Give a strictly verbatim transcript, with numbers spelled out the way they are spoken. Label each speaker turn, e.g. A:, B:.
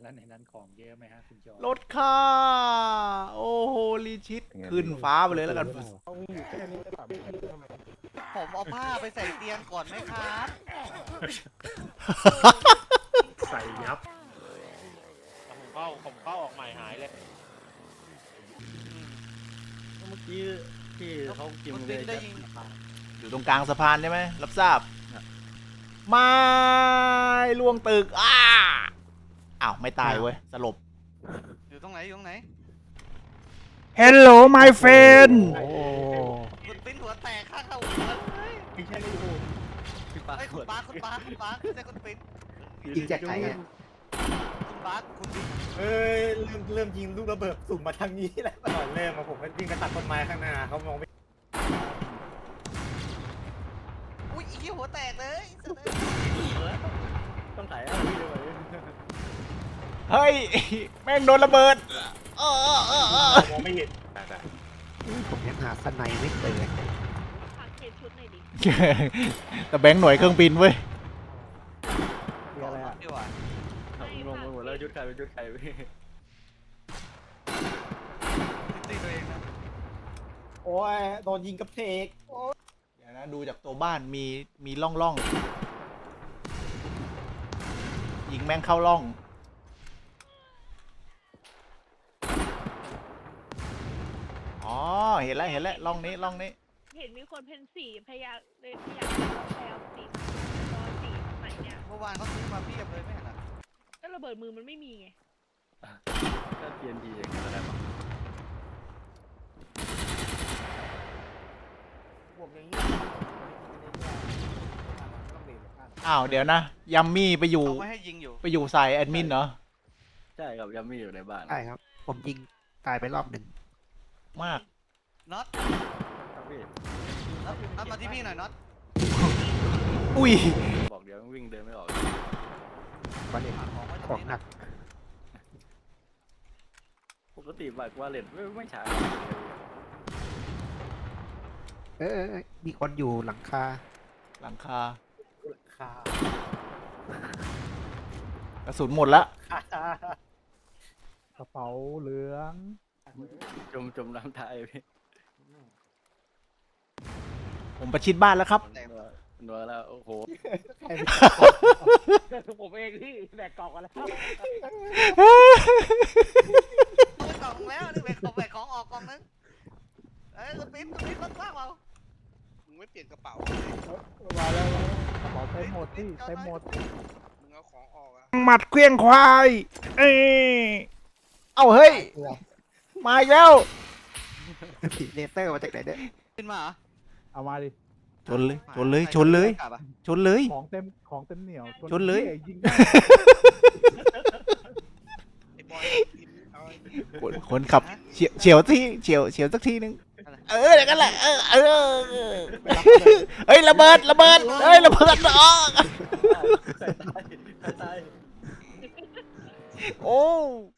A: แล้วในนั้นของเยอะไหมฮะคุณจอ
B: รถค่าโอ้โหลีชิตขึ้นฟ้าไปเลยแล้วกัน
C: เขามีอยู่แค่นี้ก็ถามผมทำไม
D: ผมเอาผ้าไปใส่เตียงก่อนไหมครับ
A: ใส่ยับ
E: ผมเข้าผมเข้าออกใหม่หายเลย
F: เมื่อกี้ที่เขากิน
D: คุณ
F: เล
D: บิ๊
F: ย
D: กได้ยิน
B: อยู่ตรงกลางสะพานใช่ไหมรับทราบไม่ล่วงตึกอ้าอ้าวไม่ตายเว้ยสลบ
D: อยู่ตรงไหนอยู่ตรงไหน
B: Hello my friend
C: โอ้
D: คุณปิ้นหัวแตกข้างเข้าหัวเลย
C: ไม่ใช่ไม่ถูก
F: พี่ปา
D: ไอ้ยคุณปาร์คคุณปาร์คคุณปาร์คไม่ใช่คุณปิ้น
C: ยิงจากไหนอ่ะ
D: คุณปาร์คคุณปิ้น
G: เอ้ยเริ่มเริ่มยิงลูกระเบิดสุ่มมาทางนี้แล้วก่อนเริ่มมาผมก็วิ่งกระตัดต้นไม้ข้างหน้าเขามองไม่
D: อุ้ยอีหัวแตกเลยสุดเลย
F: ต้องถ่ายเอาพี่ด้วย
B: เฮ้ยแม่งโดนระเบิดเออเออเออเออ
G: มองไม่เห็น
C: ผมยังหาสไนไม่เจอ
H: ฝากเทรดชุดหน่อยดิ
B: แต่แบงค์หน่วยเครื่องบินเว้ย
C: มีอะไรอ่ะ
D: ดีกว่า
F: ลงไปหมดแล้วยุดใครเป็นยุดใครพี่
D: ตีตัวเองนะ
G: โอ้ยโดนยิงกับเพก
B: เดี๋ยวนะดูจากตัวบ้านมีมีร่องร่องยิงแม่งเข้าร่องอ๋อเห็นแล้วเห็นแล้วร่องนี้ร่องนี้
H: เห็นมีคนเพนสีพยายามเลยพยายามแปลสีตอนสีใหม่เนี่ย
D: เมื่อวานเขาซื้อมาเพียบเลยไม่เห็นเหรอ
H: ก็ระเบิดมือมันไม่มีไง
F: ก็เทียนดีอย่างนี้แหละ
G: ผมอย่างนี้
B: อ้าวเดี๋ยวนะยัมมี่ไปอยู่
D: เขาไม่ให้ยิงอยู่
B: ไปอยู่สายแอดมินเหรอ
F: ใช่ครับยังไม่อยู่ในบ้าน
C: ใช่ครับ ผมยิงตายไปรอบหนึ่ง
B: มาก
D: น็อต
F: ครับพี่
D: น็อตน็อตมาที่พี่หน่อยน็อต
B: อุ้ย
F: บอกเดี๋ยววิ่งเดินไม่ออก
C: วันเอก
D: หาของไว้ต
C: ข
D: ร
C: อง ง
D: นี้
C: หนั
D: นะ
C: ก
F: ปกติบัตรวาเลตไม่ไม่ใช้
C: เออเออเออมีคนอยู่หลังคา
B: หลังคา
G: คาก
B: ระสุนหมดละ
C: กระเป๋าเหลือง
F: จมจมน้ำตายพี่
B: ผมประชิดบ้านแล้วครับ
D: แต่
F: นัวนัวแล้วโอ้โห
E: ผมเองที่แบกกล่องกันแล้ว
D: เปิดกล่องแล้วนี่แบกของแบกของออกกล่องนึงเอ้ยคุณปิ้นคุณปิ้นรถสร้างเรา
I: มึงไม่เปลี่ยนกระเป๋า
C: มาแล้วกระเป๋าเต็มหมดที่เต็มหมด
I: มึงเอาของออกอะ
B: หมัดเคลี้ยงควายเอ้ยเอ้าเฮ้ย มาอีกแล้ว
C: ผีเลเซอร์มาจากไหนเนี่ย
D: ขึ้นมาเหรอ
J: เอามาดิ
B: ชนเลย ชนเลย ชนเลย
D: กลับอะ
B: ชนเลย
J: ของเต็ม ของเต็มเหนียว
B: ชนเลย
J: ยิง
I: ไอ้บอยกินเอาไอ้
B: คนคนขับเฉียวเฉียวที่เฉียวเฉียวสักทีนึง เอออย่างนั้นแหละ เออ เออ เฮ้ยระเบิด ระเบิด เฮ้ยระเบิดอ๋อ
F: ใส่ตายใส่ตาย
B: โอ้